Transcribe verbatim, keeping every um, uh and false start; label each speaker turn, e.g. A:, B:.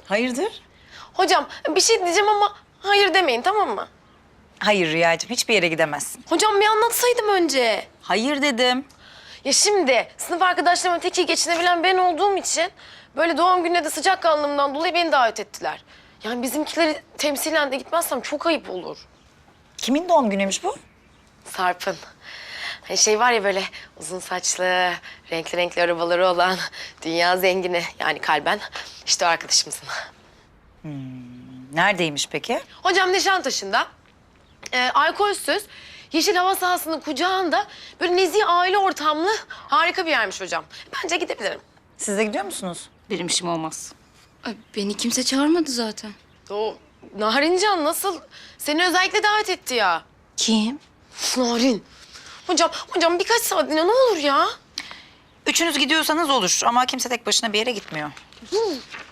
A: Hayırdır?
B: Hocam bir şey diyeceğim ama hayır demeyin, tamam mı?
A: Hayır Rüyacığım, hiçbir yere gidemezsin.
B: Hocam bir anlatsaydım önce.
A: Hayır dedim.
B: Ya şimdi sınıf arkadaşlarımla tek iyi geçinebilen ben olduğum için böyle doğum gününe de sıcakkanlılığımdan dolayı beni davet ettiler. Yani bizimkileri temsilen de gitmezsem çok ayıp olur.
A: Kimin doğum günüymüş bu?
B: Sarp'ın. Hani şey var ya böyle uzun saçlı, renkli renkli arabaları olan dünya zengini yani kalben işte o arkadaşımızın.
A: Neredeymiş peki?
B: Hocam Nişantaşı'nda e, alkolsüz yeşil hava sahasının kucağında böyle nezih aile ortamlı harika bir yermiş hocam. Bence gidebilirim.
A: Siz de gidiyor musunuz?
C: Benim işim olmaz. Ay, beni kimse çağırmadı zaten.
B: O Narincan nasıl? Seni özellikle davet etti ya.
C: Kim?
B: Narin. Hocam, hocam birkaç saatliğine ne olur ya?
A: Üçünüz gidiyorsanız olur ama kimse tek başına bir yere gitmiyor.